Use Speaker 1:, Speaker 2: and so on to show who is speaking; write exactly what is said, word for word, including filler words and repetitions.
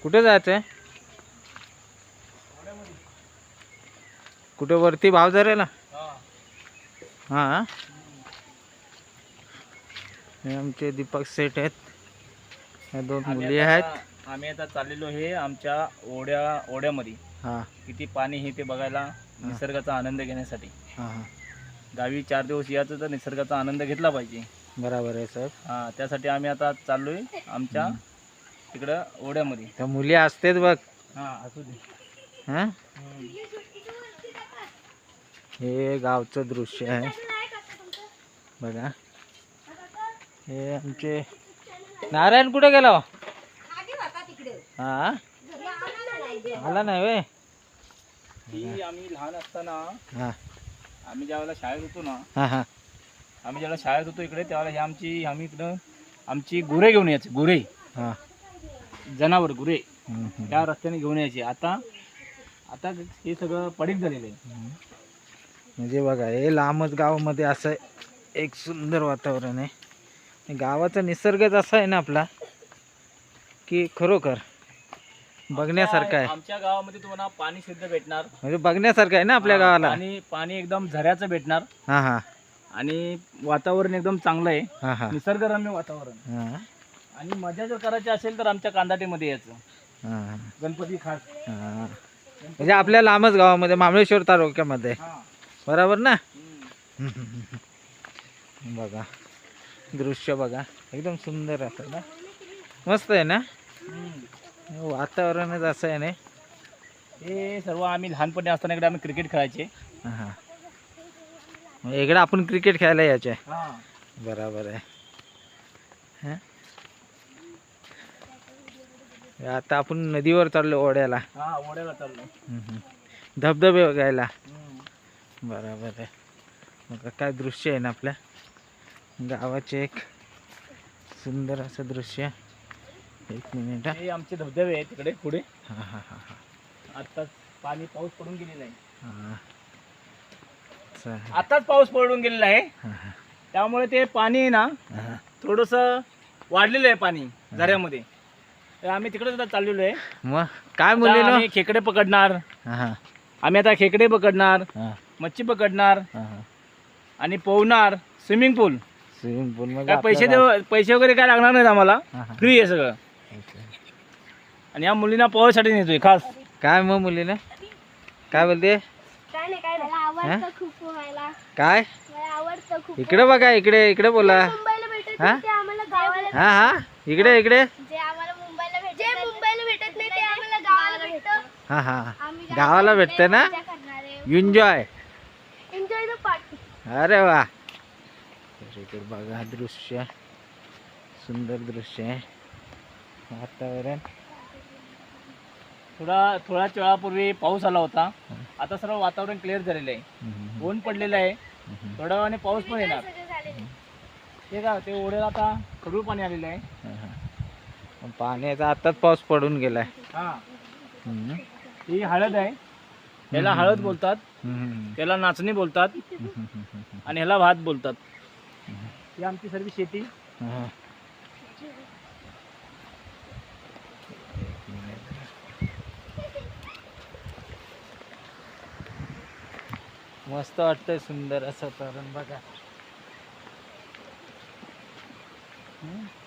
Speaker 1: कुठे जायचंय? कुठे वरती भाव धरायला? हा, हे आमचे दीपक सेठ आहेत, हे दोन मुली आहेत.
Speaker 2: आम्ही आता चाललेलो हे आमच्या ओढ्या ओढ्यामध्ये.
Speaker 1: हा,
Speaker 2: किती पाणी हे ते बघायला, निसर्गाचा आनंद घेण्यासाठी.
Speaker 1: हा हा,
Speaker 2: गावी चार दिवस यायचं तर निसर्गाचा आनंद घेतला पाहिजे.
Speaker 1: बरोबर आहे साहेब.
Speaker 2: हा, त्यासाठी आम्ही आता चाललोय आमच्या तिकडं ओढ्यामध्ये.
Speaker 1: त्या मुली असतेच बघ.
Speaker 2: हा, असू दे.
Speaker 1: हा, हे गावचं दृश्य आहे बघा. हे आमचे नारायण कुठे गेला? हा, आला नाही वे.
Speaker 2: ही आम्ही लहान असताना,
Speaker 1: हा,
Speaker 2: आम्ही ज्यावेळेला शाळेत होतो ना,
Speaker 1: हा हा,
Speaker 2: आम्ही ज्यावेळेला शाळेत होतो इकडे, त्यावेळेला ही आमची आम्ही इकडं आमची गुरे घेऊन यायची. गुरे,
Speaker 1: हा,
Speaker 2: जनावर गुरे
Speaker 1: हम्म, हम्म.
Speaker 2: त्या रस्त्याने घेऊन यायची. आता आता हे सगळं पडीक झालेलं आहे.
Speaker 1: म्हणजे बघा, हे लांबच गावामध्ये असं एक सुंदर वातावरण आहे. गावाचा निसर्गच असा आहे ना आपला, की खरोखर बघण्यासारखं आहे.
Speaker 2: आमच्या गावामध्ये तुम्हाला पाणी शुद्ध भेटणार,
Speaker 1: म्हणजे बघण्यासारखं आहे ना आपल्या गावाला.
Speaker 2: आणि पाणी एकदम झऱ्याचं भेटणार.
Speaker 1: हा हा,
Speaker 2: आणि वातावरण एकदम चांगलं आहे,
Speaker 1: हा हा,
Speaker 2: निसर्गरम्य वातावरण.
Speaker 1: हा,
Speaker 2: आणि मजा जर करायची असेल तर आमच्या कांदाटीमध्ये यायचं.
Speaker 1: हा,
Speaker 2: गणपती खास.
Speaker 1: हा. म्हणजे आपल्या लांबच गावामध्ये, महाबळेश्वर तालुक्यामध्ये,
Speaker 2: हा.
Speaker 1: बरोबर ना.
Speaker 2: हम्म.
Speaker 1: बघा दृश्य बघा, एकदम सुंदर असं ना, मस्त आहे ना.
Speaker 2: हम्म.
Speaker 1: वातावरणच असं आहे ना.
Speaker 2: हे सर्व आम्ही लहानपणी असताना इकडे आम्ही क्रिकेट खेळायचे.
Speaker 1: हा हा, इकडे आपण क्रिकेट खेळायला यायचे.
Speaker 2: हा.
Speaker 1: बरोबर आहे. हा? आता आपण नदीवर चाललो ओढ्याला.
Speaker 2: हा, ओढ्याला चाललो.
Speaker 1: हम्म, हम्म. धबधबे बघायला.
Speaker 2: हम्म.
Speaker 1: बरोबर आहे. मग काय दृश्य आहे ना आपल्या गावाचे, एक सुंदर असं दृश्य. एक मिनिट.
Speaker 2: हे आमचे धबधबे आहेत तिकडे पुढे.
Speaker 1: हा हा हा हा,
Speaker 2: आताच पाणी पाऊस पडून गेलेला आहे.
Speaker 1: हा, चालेल.
Speaker 2: आताच पाऊस पडून गेलेला आहे,
Speaker 1: हा हा,
Speaker 2: त्यामुळे ते पाणी आहे ना
Speaker 1: हा.
Speaker 2: थोडंसं वाढलेलं आहे पाणी झऱ्यामध्ये. तर आम्ही तिकडे सुद्धा चाललेलो आहे.
Speaker 1: मग काय
Speaker 2: आता
Speaker 1: मुलीनो?
Speaker 2: आम्ही खेकडे पकडणार.
Speaker 1: हा हा,
Speaker 2: आम्ही आता खेकडे पकडणार,
Speaker 1: हा
Speaker 2: मच्छी पकडणार
Speaker 1: हा हा.
Speaker 2: आणि पोहणार. स्विमिंग पूल.
Speaker 1: स्विमिंग पूल मध्ये
Speaker 2: काय पैसे देव पैसे वगैरे काय लागणार नाहीत आम्हाला,
Speaker 1: हा हा.
Speaker 2: फ्री आहे सगळं. आणि या मुलींना पोहायसाठी नेतोय खास.
Speaker 1: काय मग मुलीने काय बोलते?
Speaker 3: काय नाही काय नाही, मला आवडतं खूप पोहायला.
Speaker 1: काय
Speaker 3: मला आवडतं खूप.
Speaker 1: इकडे बघा, इकडे इकडे बोला.
Speaker 3: मुंबईला भेटत
Speaker 1: हा?
Speaker 3: नाही ते आम्हाला गावाला.
Speaker 1: हा हा, इकडे इकडे.
Speaker 3: जे आम्हाला मुंबईला भेटत जे मुंबईला भेटत नाही ते आम्हाला गावाला भेटतं.
Speaker 1: हा हा, गावाला भेटते ना. Enjoy
Speaker 3: enjoy the party.
Speaker 1: अरे वा, इकडे बघा दृश्य, सुंदर दृश्य आहे. वातावरण
Speaker 2: थोडा थोड्याच वेळापूर्वी पाऊस आला होता. आता सर्व वातावरण क्लिअर झालेलं आहे, ऊन पडलेलं आहे. थोड्या वेळाने पाऊस पण येणार. ते का ते ओढ्याला आता खडूळ पाणी आलेलं आहे.
Speaker 1: पाण्याचा आताच पाऊस पडून गेलाय.
Speaker 2: हा,
Speaker 1: हम्म.
Speaker 2: ही हळद आहे, ह्याला हळद बोलतात,
Speaker 1: हम्म.
Speaker 2: त्याला नाचणी बोलतात, आणि ह्याला भात बोलतात. ही आमची सर्व शेती.
Speaker 1: हा. मस्त वाटतंय, सुंदर असं वातावरण बघा. हम्म.